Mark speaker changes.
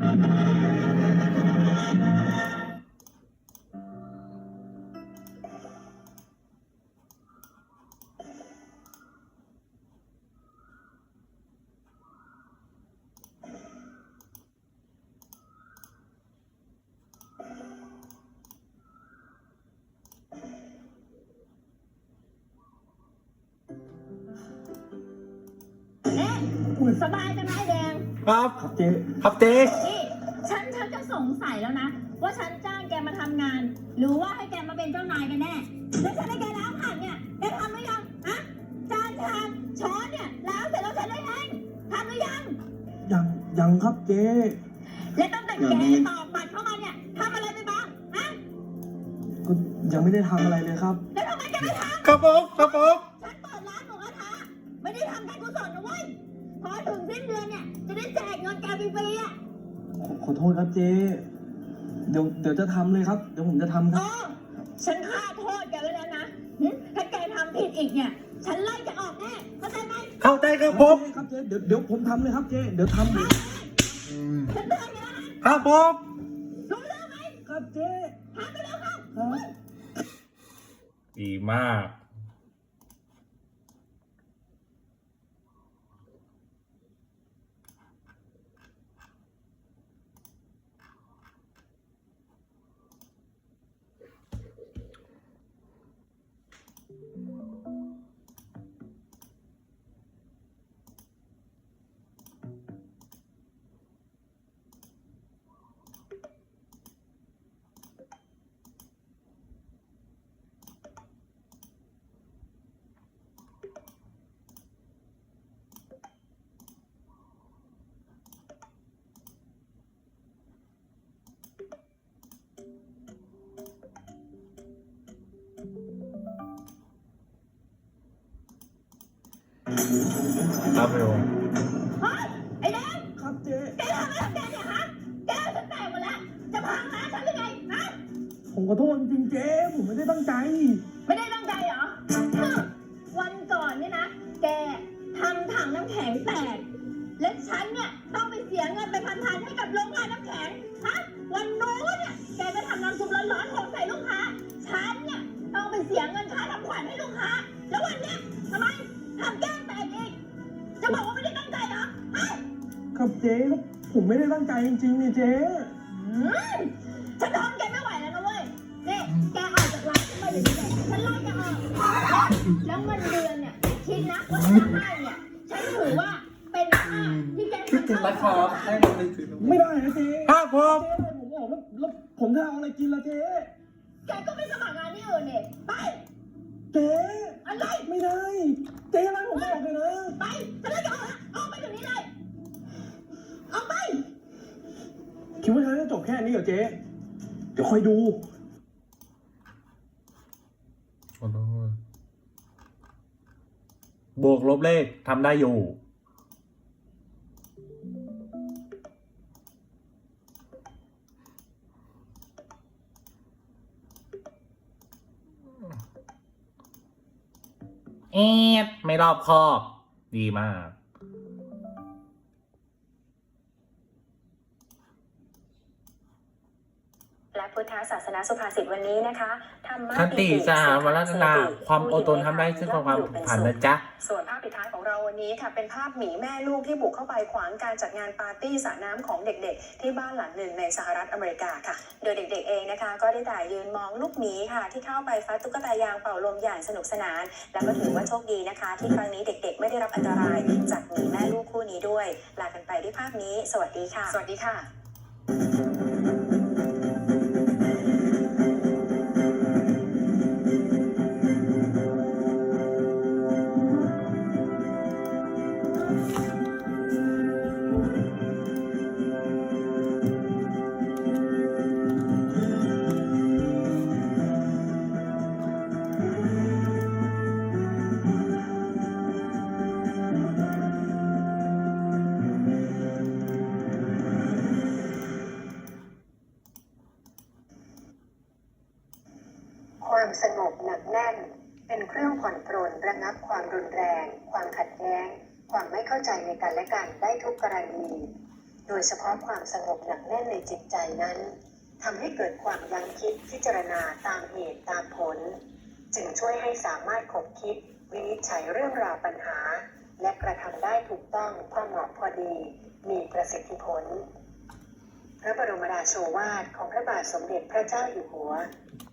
Speaker 1: สบายจังไอ้แดง
Speaker 2: ครับเจ๊ครับเจ๊
Speaker 1: นี่ฉันจะสงสัยแล้วนะว่าฉันจ้างแกมาทำงานหรือว่าให้แกมาเป็นเจ้านายกันแน่แล้วฉันให้แกล้างผักเนี่ยแกทำหรือยังฮะจานชามช้อนเนี่ยล้างเสร็จแล้วฉันได้เองทำหรือยัง
Speaker 3: ยังครับเจ๊
Speaker 1: และตั้งแต่แกตอกบัตรเข้ามาเนี่ยทำอะไรไปบ้างฮะ
Speaker 3: ก็ยังไม่ได้ทำอะไรเลยครับ
Speaker 1: แล้วทำไมแกไม่ทำ
Speaker 2: ครับผมฉันเ
Speaker 1: ปิดร้านหมูกระทะไม่ได้ทำการกุศลนะเว้ยพอถึงสิ้นเดือนเนี่ยจะได้แจกเงินแกฟรีๆอ่ะ
Speaker 3: ขอโทษครับเจ๊เดี๋ยวจะทำเลยครับเดี๋ยวผมจะทำครับ
Speaker 1: ฉันฆ่าโทษแกไว้แล้วนะถ้าแกทำผิดอีกเนี่ยฉันไล่จะออกแน่เข้าใจไหม
Speaker 2: เข้าใจครับผม
Speaker 3: ครับเจ๊เดี๋ยวผมทำเลยครับเจ๊เดี๋ยวทำ
Speaker 1: ฉันเตือนแกแล้วนะครับ
Speaker 2: ผม
Speaker 1: รู้เรื่องไหม
Speaker 3: ครับเจ๊
Speaker 1: ทำไปแล้วครับ
Speaker 2: ดีมากครับเร็ว
Speaker 1: เฮ้ยไอ้แดง
Speaker 3: ครับเจ๊
Speaker 1: แกทำอะไรกับแกเนี่ยฮะแกฉันแตกหมดแล้วจะพังร้านฉันหรือไงฮะ
Speaker 3: ผมขอโทษจริงๆเจ๊ผมไม่ได้ตั้งใจ
Speaker 1: ไม่ได้ตั้งใจเหรอวันก่อนเนี่ยนะแกทำถังน้ำแข็งแตกและฉันเนี่ยต้องไปเสียเงินไปพันๆให้กับโรงงานน้ำแข็งฮะวันโน้นเนี่ยแกไปทำน้ำซุปร้อนๆหกใส่ลูกค้าฉันเนี่ยต้องไปเสียเงินค่าทำขวัญให้ลูกค้าแล้ววันเนี้ยทำไมทำแก้มแตกอีกจะบอกว่าไม่ได้ตั้งใจเหรอฮะ
Speaker 3: ครับเจ๊ผมไม่ได้ตั้งใจจริงๆนี่เจ๊
Speaker 1: ฉันทนแกไม่ไหวแล้วนะเว้ยนี่แกออกจากร้านฉันมาอยู่ที่ไหนฉันไล่แกออกแล้วเงินเดือนเนี่ยคิดนะว่าฉันจะให้เนี่ยฉันถือว่าเป็นค่าที่แกทำให้
Speaker 2: ราคาให้เราไปซื้อ
Speaker 3: ไม่ได้นะเจ๊
Speaker 2: ครับผม
Speaker 3: ผมบอกแล้วผมจะเอาอะไรกินล่ะเจ๊
Speaker 1: แกก็ไปสมัครงานที่อื่นเนี่ยไป
Speaker 3: เจ๊
Speaker 1: อะไร
Speaker 3: ไม่ได้เจ๊อะไรผมบอกเลยนะ
Speaker 1: ไปฉันไล่แกออกนะออกไปเดี๋ยวนี้เลยออกไป
Speaker 3: คิดว่าฉันจะจบแค่นี้เหรอเจ๊เดี๋ยวคอยดู
Speaker 2: บวกลบเลขทำได้อยู่ไม่รอบคอบ ดีมาก
Speaker 4: และพุทธศาสนาสุภาษิตวันนี้นะคะธรรมะ
Speaker 2: ขันติสหวัฒนาความอดทนทำได้ซึ่งความผ่านนะจ๊ะ
Speaker 4: ส่วนภาพปิดท้ายของเราวันนี้ค่ะเป็นภาพหมีแม่ลูกที่บุกเข้าไปขวางการจัดงานปาร์ตี้สระน้ำของเด็กๆที่บ้านหลังหนึ่งในสหรัฐอเมริกาค่ะโดยเด็กๆเองนะคะก็ได้แต่ยืนมองลูกหมีค่ะที่เข้าไปฟัดตุ๊กตายางเป่าลมอย่างสนุกสนานและก็ถือว่าโชคดีนะคะที่ครั้งนี้เด็กๆไม่ได้รับอันตรายจากหมีแม่ลูกคู่นี้ด้วยลากันไปด้วยภาพนี้สวัสดีค่ะสวัสดีค่ะความสงบหนักแน่นเป็นเครื่องผ่อนปรนระงับความรุนแรงความขัดแย้งความไม่เข้าใจในกันและกันได้ทุกกรณีโดยเฉพาะความสงบหนักแน่นในจิตใจนั้นทำให้เกิดความยั้งคิดพิจารณาตามเหตุตามผล จึงช่วยให้สามารถคบคิดวินิจฉัยเรื่องราวปัญหา และกระทำได้ถูกต้องพอเหมาะพอดีมีประสิทธิผล พระบรมราโชวาทของพระบาทสมเด็จพระเจ้าอยู่หัว